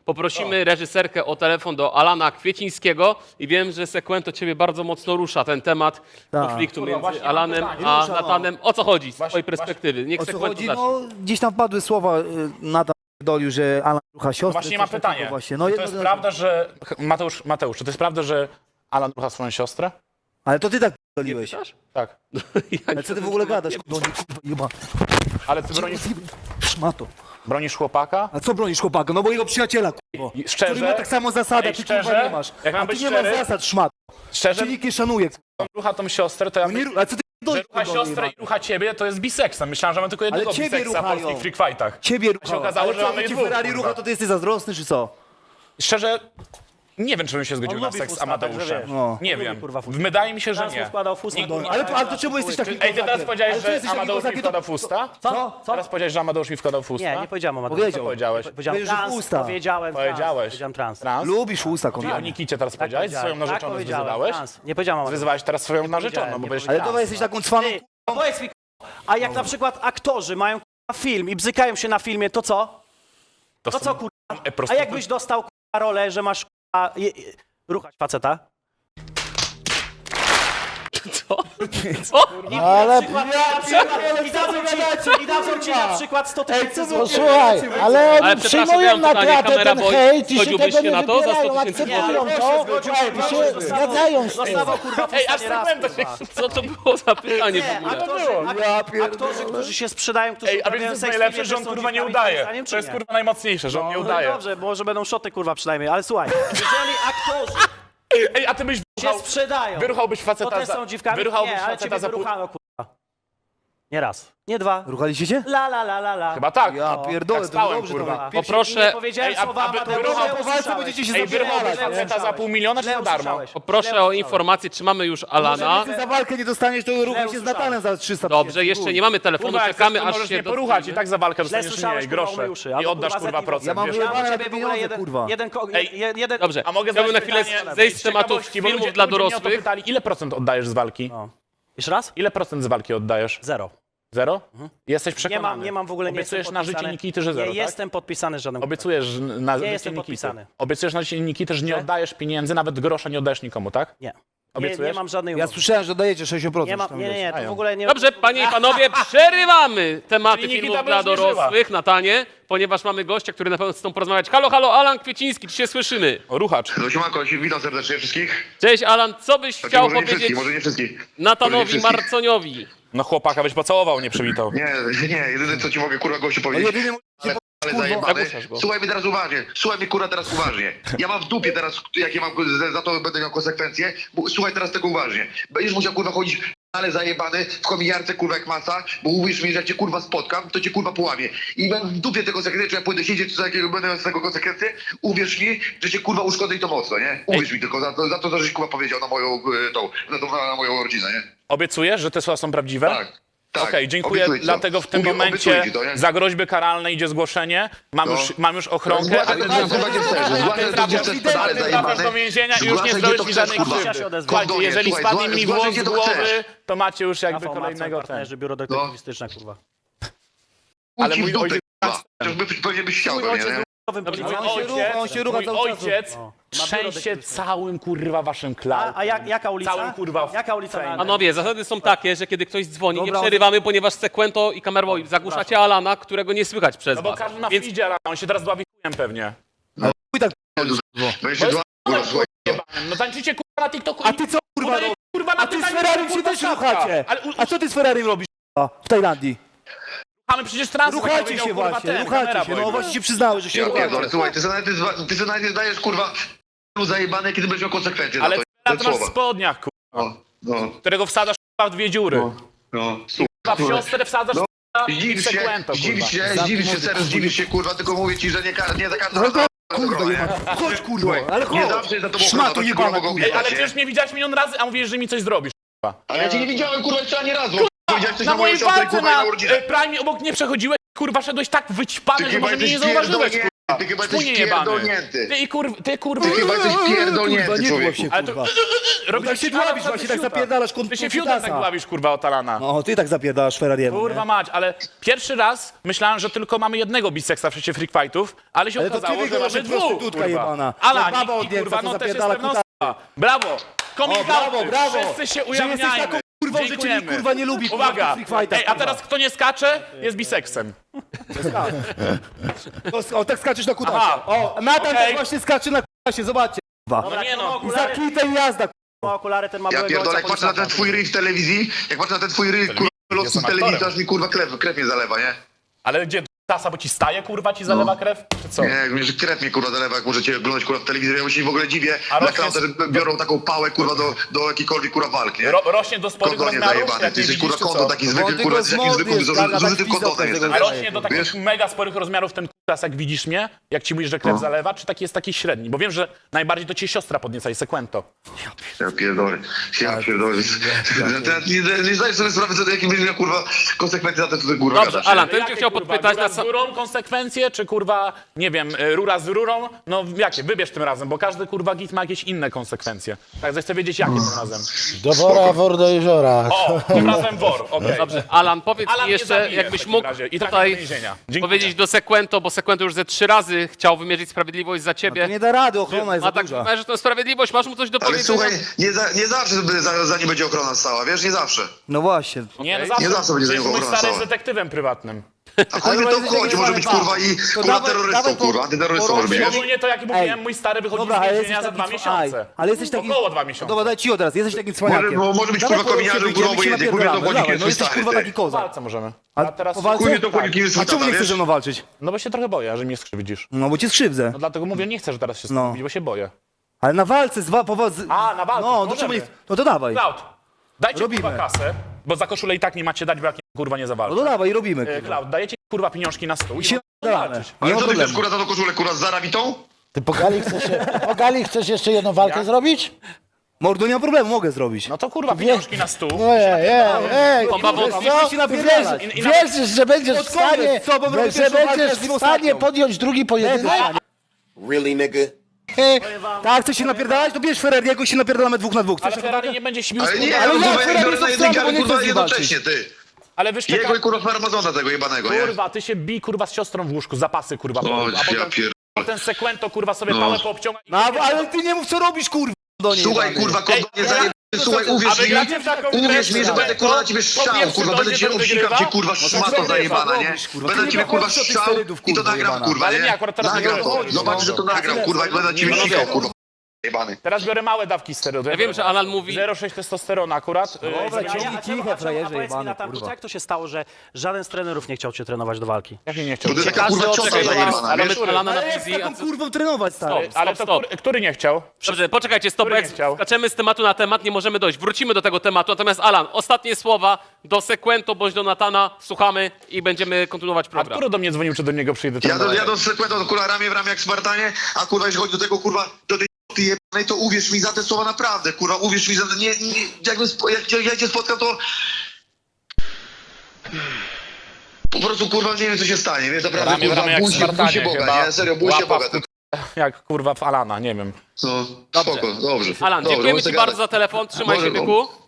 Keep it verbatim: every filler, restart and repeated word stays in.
Poprosimy o. reżyserkę o telefon do Alana Kwiecińskiego i wiem, że Sekwento ciebie bardzo mocno rusza ten temat Ta. konfliktu Kurwa, między właśnie Alanem mam pytanie. a Rusza, no. Natanem. O co chodzi z Właśnie- twojej perspektywy? Niech O co Sekwento chodzi? zacznie. No, gdzieś tam padły słowa, y, Natan dolił, że Alan rucha siostrę. Właśnie mam coś takiego pytanie. Właśnie. No, Czy to jedno- jest prawda, że... Mateusz, Mateusz, czy to jest prawda, że Alan rucha swoją siostrę? Ale to ty tak doliłeś. Pytasz? Tak. Ja Ale co ty w ogóle gadasz? No nie, kurwa, jeba. Ale ty bronisz, Szmato. bronisz chłopaka? A co bronisz chłopaka? No bo jego przyjaciela, kurwa. I Który szczerze, ma tak samo zasady, Ej, ty szczerze? kurwa nie masz. Jak mam A ty być nie szczery? masz zasad, szmat. szczerze, Cię nikt nie szanuje, kurwa. on rucha tą siostrę, to ja No nie, myślę, ru- a co ty że dolisz? rucha siostrę i rucha ciebie, to jest biseksem. Myślałem, że mamy tylko jednego Ale ciebie biseksa w ruchają. polskich freak fightach. Ciebie się rucha. okazało, Ale że co, mamy jak ci dwóch, Ferrari kurwa. rucha, to ty jesteś zazdrosny, czy co? Szczerze, nie wiem, czy bym się zgodził On na lubi seks z fusta, także Amateuszem. wiesz. No. Nie lubi, wiem. kurwa, fusta. Wydaje mi się, że Teraz mu nie. wkładał fusta Nie- do- nie- Ale, ale to czemu jesteś taki Ej, ty teraz kozakiem? powiedziałeś, Ale ty że jesteś taki Amadeusz mi kozakiem, wkładał to- w usta? Co? Co? Teraz powiedziałeś, że Amadeusz mi wkładał w usta? Nie, nie powiedziałem o Mateusz. Powiedział. Co powiedziałeś? Powiedziałem Powiedział, że trans, usta. powiedziałem Powiedziałeś. trans. Powiedziałem trans. Trans? Lubisz usta, I o kochanie. Nikicie teraz Tak powiedziałeś? powiedziałem. Swoją narzeczoną tak powiedziałem, wyzywałeś? trans. Nie powiedziałem o Mateusz. Wyzywałeś teraz swoją narzeczoną, powiedziałem, bo nie będziesz Ale trans. to jesteś taką cwaną... Ty, a powiedz mi, a jak na przykład aktorzy mają kurwa, film i bzykają się na filmie, to co? To są- co kurwa? e, A prostytut- jakbyś dostał kurwa rolę, że masz kurwa, je, je, ruchać faceta? Co? Co? Ale... I dadzą ci, i dadzą ci na przykład sto tysięcy złotych. Słuchaj, ale Ale oni przepraszam, przyjmują miałem na pytanie, klatę kamera ten boy, hejt i się zgodziłbyś tego się na nie to za sto wybierają, tysięcy akceptują złotych? to Zgodził się, i zgodził się się. zgadzają z tym. Dostawał kurwa Ej, fusta aż nie raz, segment to kurwa. się... Co to było za pytanie w Nie, ogóle? aktorzy, ak- aktorzy, którzy się sprzedają, którzy Ej, a wiesz, co uprawiają jest seks, najlepsze, nie że on są kurwa nie dziwkami, udaje. twoim zdaniem, czy To jest nie? kurwa najmocniejsze, że on nie No udaje. dobrze, może będą szoty kurwa przynajmniej, ale słuchaj, jeżeli aktorzy Ej, a ty byś się wyruchał, sprzedają, wyruchałbyś to faceta też za... są dziwkami? Wyruchałbyś Nie, ale faceta ciebie za pół... wyruchano kurwa. Nie raz, nie dwa. Ruchaliście cię? La la la la la. Chyba tak. Ja pierdolę, tak to stałem, dobrze to kurwa. ma. Poproszę- Nie powiedziałem Ej, a- słowa a by- Amadeusz, wyruchał- źle po walce usłyszałeś. będziecie się Ej, wyruchałbyś zapierdalać, nie? faceta za pół miliona czy Źle za darmo? usłyszałeś. Poproszę Źle o usłyszałeś. informację, czy mamy już Alana. Ty za walkę nie dostaniesz, to ruchaj się z usłyszałem. Natanem za trzysta Dobrze, tysięcy. jeszcze nie mamy telefonu, Kurwa, jak czekamy chcesz, to aż możesz się mnie poruchać i dodzwonimy. tak za walkę Źle dostaniesz słyszałeś, mniej, kurwa, grosze. umyj uszy, I albo, oddasz kurwa, kurwa zetnij procent. Ja mam wiesz? Ja wyjebane u na ciebie te w ogóle pieniądze, jeden, kurwa. jeden, ko- Ej, je- jeden... Dobrze, A mogę chciałbym na zadać chwilę pytanie? zejść z Z tematów ciekawości, bo filmów ludzie- dla ludzie mnie o to dorosłych. pytali, ile procent oddajesz z walki? No. Jeszcze raz? Ile procent z walki oddajesz? Zero. Zero? Jesteś Nie przekonany? mam, nie mam w ogóle... nie Obiecujesz jestem na życie podpisany. Nikity, że zero, Nie tak? jestem podpisany z żadnym... Obiecujesz że na życie jestem Nikity. podpisany. Obiecujesz na życie Nikity, że nie Że? oddajesz pieniędzy, nawet grosza nie oddajesz nikomu, tak? Nie. Nie, Obiecujesz? nie mam żadnej Ja umowy. słyszałem, że dajecie sześćdziesiąt procent. Nie, ma, tam nie, nie, nie, to jest. w ogóle nie... Dobrze, panie i panowie, przerywamy tematy Czyli Nikita filmów by dla już nie żyła. dorosłych, Natanie, ponieważ mamy gościa, który na pewno chce z tą porozmawiać. Halo, halo, Alan Kwieciński, czy się słyszymy? O, ruchacz. No siemanko, witam serdecznie wszystkich. Cześć Alan, co byś Znaczy, chciał może nie powiedzieć wszystkich, może nie wszystkich. Może nie Natanowi wszystkich. Marconiowi? No chłopaka byś pocałował, nie przywitał. Nie, nie, jedyne co ci mogę kurwa gościu powiedzieć, jedynie ale, ale kurwa, zajebany. zagłuszasz go. Słuchaj mnie teraz uważnie, słuchaj mnie kurwa teraz uważnie. Ja mam w dupie teraz, jakie mam, za to będę miał konsekwencje, bo słuchaj teraz tego uważnie. Będziesz musiał kurwa chodzić ale zajebany w kominiarce kurwa jak masa, bo mówisz mi, że jak cię kurwa spotkam, to cię kurwa połamię. I mam w dupie te konsekwencje, czy ja pójdę siedzieć, czy za jakiego będę miał z tego konsekwencje, uwierz mi, że cię kurwa uszkodzę i to mocno, nie? Uwierz mi tylko za to, za to, co żeś kurwa powiedział na moją, e, tą, na, tą, na moją rodzinę, nie? Obiecujesz, że te słowa są prawdziwe? Tak. Tak, Okej, dziękuję. obiecuję ci to. Dlatego w tym Mówię, momencie obiecuję ci to, nie? za groźby karalne idzie zgłoszenie. Mam, No. już, mam już ochronkę, a Zgłaszaj ty, to, co będzie chcesz, a ty zgłaszaj to, trafiasz, gdzie chcesz, a ty stary trafiasz zajebany. do więzienia i już nie Zgłaszaj, zrobisz gdzie mi to żadnej chcesz, kurwa. Ja się krzywdy. odezwę. Słuchajcie, Kondonie, jeżeli słuchaj, spadnie mi zgłaszaj, włos gdzie z to głowy, chcesz. to macie już jakby Rafał, kolejnego ten. partnerzy, biuro detektywistyczne, kurwa. Ale Chuj ci mój w dupę, ojciec- kurwa. Chociażby pewnie byś chciał, Mój no nie, ojciec nie? był nowym Mój policjantem. on się rucha, on się rucha mój cały czas. ojciec O, ma biuro trzęsie detektywistyczne. całym kurwa waszym A, klautem. a jak, jaka ulica? Całym kurwa Jaka ulica na Panowie, zasady są takie, że kiedy ktoś dzwoni, nie Dobra, przerywamy, ponieważ Sekwento i Kamerboy zagłuszacie Alana, którego nie słychać przez No bo was. każdy na Więc feedzie, ale on się teraz dławi chujem pewnie. Chuj tak, No jeszcze Bo dwa, jest kurwa, słuchaj. jebanym. No tańczycie kurwa na TikToku a i ty co kurwa udaje, robisz? kurwa na A ty z pytanie, Ferrari kurwa, się też szafka. ruchacie. Ale u- A co ty z Ferrari robisz kurwa, w Tajlandii? mamy przecież trans. Ruchacie się właśnie, ruchacie się. No właśnie się przyznały, że się Ja ruchacie. pierdolę, słuchaj, ty sobie nawet, ty, ty sobie nawet nie zdajesz, kurwa, zajebane, kiedy będziesz miał konsekwencje Ale za to. teraz te masz w słowa. spodniach, kurwa, No, no, którego wsadzasz kurwa w dwie dziury. no, no, Kurwa w siostrę wsadzasz No, kurwa, i Zdziwisz się, Sekwento, zdziwisz kurwa. się, zdziwisz się, serio zdziwisz się, kurwa, tylko mówię ci, że nie, ka- nie za każdym No razem. to kurwa jebana. Chodź kurwa, Słuchaj, ale nie chodź. zawsze jest za tobą Szmato ochrona, to ci, jebana, kurwa, mogą kurwa. Ej, ale wjechać, przecież nie? mnie widziałeś milion razy, a mówisz, że mi coś zrobisz. Ale ja cię nie widziałem, kurwa, jeszcze ani razu. Powiedziałeś coś Na na moją mojej siostrę, walce kurwa, i na na rodzinę. e, Prime obok mnie przechodziłeś, kurwa, szedłeś tak wyćpany, Ty że chyba może mnie nie jesteś, zauważyłeś, nie, Ty chyba jesteś Spójnie jebany. pierdolnięty. Ty i kurwa, ty kurwa. Ty chyba jesteś Kurwa, pierdolnięty, nie było człowieku. się, Ale to kurwa. robisz tak się dławisz, właśnie tak zapierdalasz kon- Ty się konfutasa. fiutem tak dławisz, kurwa, od Alana. No, ty tak zapierdalasz Ferrariemu, Kurwa nie? mać, ale pierwszy raz myślałem, że tylko mamy jednego biseksa w świecie freak fightów, ale się Ale to okazało, ty że mamy wyglądasz dwóch, prostytutka kurwa. jebana. Ala, Jak baba i od Niemca, kurwa, to no też zapierdala jestem nostra. Brawo! Coming O, brawo, outy. brawo. Wszyscy się Że jesteś ujawniajmy. taką kurwą, że cię Dziękujemy. nikt, kurwa, nie lubi, kurwa, Uwaga, w tych freak fightach, ej, a kurwa. teraz kto nie skacze, jest biseksem. O, o, tak skaczesz na kutasie. Aha. O, Natan Okej. tak właśnie skacze na kutasie, zobaczcie, kurwa. No nie no, I za kitem jazda, Ma okulary, ten ma Ja byłego pierdolę, ojca jak patrzę na ten policjanta. twój ryj w telewizji, jak patrzę na ten twój ryj, kurwa, losy jestem w telewizji, aktorem. to aż mi kurwa krew, krew mnie zalewa, nie? Ale gdzie tasa, bo ci staje, kurwa, ci zalewa krew? Czy co? Nie, jak mnie, że krew mnie kurwa zalewa, jak możecie oglądać kurwa w telewizji, ja się w ogóle dziwię, A na rośnie- klauce, że biorą taką pałę kurwa do, do jakiejkolwiek kurwa walk, nie? Ro rośnie do sporych Kondonie rozmiarów, zajebane, jak ty nie jesteś widzisz, kurwa czy kondo co? taki Bo on zwykły, tylko kurwa, z z jakim mordy zwykłym, jest, z gada, zużytym tak kondonem pizdą jesteś. A tego rośnie do kurwa. takich mega sporych rozmiarów ten kutas, jak widzisz mnie, jak ci mówisz, że krew zalewa, czy taki jest taki średni? Bo wiem, że najbardziej to cię siostra podnieca i Sekwento. Ja pierdolę, ja pierdolę. Nie, nie, nie zdajesz sobie sprawy, co- jakie będzie miał kurwa konsekwencje za to, co ty kurwa Dobrze, gadasz, nie? Alan, to bym cię Jakie, chciał kurwa, podpytać rura na z sam... rurą konsekwencje, czy kurwa, nie wiem, y, rura z rurą? No jakie? Wybierz tym razem, bo każdy kurwa git ma jakieś inne konsekwencje. Także chcę wiedzieć, jakie tym razem. Do wora, wor do jeziora. O, tym razem wor, okej. Dobrze, Alan, powiedz Alan mi mnie jeszcze, zabije w jakbyś takim mógł razie i trafi tutaj do więzienia. Dziękuję. powiedzieć do Sekwento, bo Sekwento już ze trzy razy chciał wymierzyć sprawiedliwość za To ciebie. nie da rady, ochrona jest Ma za tak, duża. że to sprawiedliwość, masz mu coś do Ale powiedzenia? słuchaj, nie, za, nie zawsze by za, za nim będzie ochrona stała, wiesz, nie zawsze. No właśnie. Nie, no Okej. zawsze, Nie zawsze będzie za przecież niego mój ochrona stary jest stała. detektywem prywatnym. A chuj mnie Ale to jesteś obchodzi, może być taki kurwa i To kurwa dawaj- terrorystą, dawaj po- kurwa, antyterrorystą może być, wiesz? Ogólnie to, jak mówiłem, mój stary wychodzi Dobra, z ale więzienia jesteś za dwa taki... miesiące. Aj, ale jesteś taki... Około dwa miesiące. Dobra, daj ci od razu, jesteś takim Może, cwaniakiem. bo może być Dawaj kurwa po kominiarzem, wyjdziemy, kurwa, się obojętnie, kurwa, napierdalamy. dowodzi, Dawaj, kiedy no twój jesteś stary, kurwa ty. taki W kozak. walce możemy. A A teraz... po walce? Chuj mnie to chodzi, kim jest A czemu nie wiesz? chcesz ze mną walczyć? No bo się trochę boję, że mnie skrzywdzisz. No bo cię skrzywdzę. No dlatego mówię, nie chcę, że teraz się No. skupić, bo się boję. Ale na walce, z wa... po wa- z... A, na walce, No, to możemy. czemu nie... No to dawaj. Cloud, dajcie Robimy. kurwa kasę, bo za koszulę i tak nie macie dać, bo jak nie, kurwa nie No zawalczy. to dawaj, robimy. E, kurwa. Cloud, dajecie kurwa pieniążki na stół i się możemy napierdalamy. walczyć. Nie Ale ma co ty chcesz problemu. kurwa za tą koszulę, kurwa z zarawitą? Ty Pogali chcesz, się, Pogali chcesz jeszcze jedną walkę Jak? zrobić? Mordo, nie ma problemu, mogę zrobić. No to kurwa pieniążki na stół. No ej, ej, ej. Pompa wiesz wodki. co? Musisz się napierdalać. Wiesz, I- i na- wiesz, że będziesz w Pod koniec, stanie, co, bo robię że pierwszą walkę będziesz z nim w stanie ostatnią. podjąć drugi pojedynek? Really, nigga? Tak, chcesz się napierdalać? To bierz Ferrariego i się napierdalamy dwóch na dwóch. Ale Chcesz Ferrari nie będzie śmił z Ale nie, kurwa. ale ja kurwa, Ferrari ja biorę na są jednej strony, bo gale, nie kurwa, chcę z nim jednocześnie, ty. Ale wyszczeka... Jego i kurwa farmazona tego jebanego, nie? Kurwa, ty się bij kurwa z siostrą w łóżku, zapasy kurwa. O, a ja potem, pier... potem Sekwento kurwa sobie No. pałę poobciąga i... No, ale ty nie mów co robisz, kurwa. do niej Słuchaj, jebany. kurwa, kondonie Ej, zajebany, słuchaj, A uwierz wy mi, gracie w taką grę, uwierz mi, że kurwa, będę kurwa na ciebie to strzał, pierwszy kurwa, będę dojdzie, cię ten obsikał, wygrywa. cię kurwa No to szmato wygrywa, zajebana, nie? robisz, kurwa. Będę Ty na ciebie nie kurwa wychodź od tych strzał sterydów, i to kurwa, nagram, jebana. kurwa, Ale nie? nie, akurat teraz Nagram nie to, wychodzi, zobaczysz, że to nagram, kurwa, i będę na ciebie Nie, no sikał, nie. kurwa, jebany. Teraz biorę małe dawki steroidu. Ja wiem, że Alan mówi... zero przecinek sześć testosterona akurat. Dobra, Yy, ciągnij A czemu- ciche, a czemu- frajerze a powiedz mi, jebany, Natan, kurwa. jak to się stało, że żaden z trenerów nie chciał cię trenować do walki? Jak mnie nie chciał. Bo to jest taka kurwa ciota Czekaj, zajebana, ale wiesz? my Alana na Ale jak z wizji... a taką co- kurwą trenować, stary? Stop. Ale to stop. który, który nie chciał? Dobrze, poczekajcie, stop, bo Który jak nie chciał? skaczemy z tematu na temat, nie możemy dojść. Wrócimy do tego tematu, natomiast Alan, ostatnie słowa do Sekwento bądź do Natana, słuchamy i będziemy kontynuować A program. który do mnie dzwonił, czy do niego przyjdę Ja do, trenować? ja do Sekwento, kurwa, ramię w ramię jak Spartanie, a kurwa, jeśli chodzi do tego, kurwa, do tej ty jebanej, to uwierz mi za te słowa naprawdę, kurwa, uwierz mi, że nie, nie, jakbym, spo- jak, jak ja cię spotkam, to... Po prostu, kurwa, nie wiem, co się stanie, wiesz, naprawdę, Ramię w kurwa, ramię jak bój się, bój Spartanie się Boga, chyba. nie? Serio, bój się Łapa Boga. w Jak kurwa w Alana, nie wiem. No, Dobrze. spoko, dobrze. Alan, dobrze, dziękujemy możesz Ci gadać. bardzo za telefon, trzymaj się, Może go. byku.